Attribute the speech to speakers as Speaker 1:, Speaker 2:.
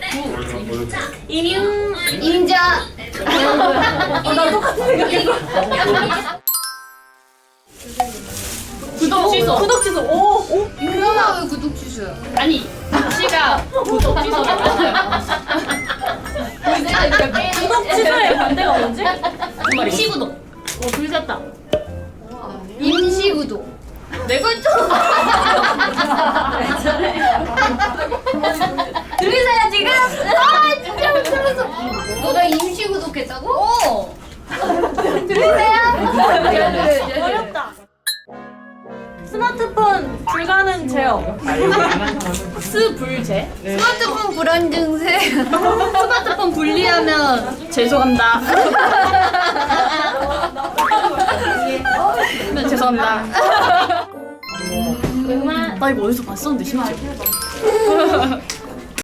Speaker 1: 이뮨.
Speaker 2: 인자.
Speaker 1: 나 똑같은 생각했어. 구독 취소. 구독 취소. 오.
Speaker 2: 그러면 왜 구독 취소야?
Speaker 1: 아니, 씨가 구독 취소를 맞아요. 구독 취소의 반대가 뭐지? 시구독. 둘 잤다.
Speaker 2: 임시 구독.
Speaker 1: 내가 했잖아.
Speaker 2: 들리세요 지금? 아 진짜 못 들었어. 너가 임시 구독했다고? 어. 들리세요?
Speaker 1: 어렵다. 스마트폰 불가능 제어. 스불제.
Speaker 2: 스마트폰 불안 증세.
Speaker 1: 스마트폰 분리하면 죄송합니다. 네, 죄송합니다. 나 이거 어디서 봤었는데 심지어.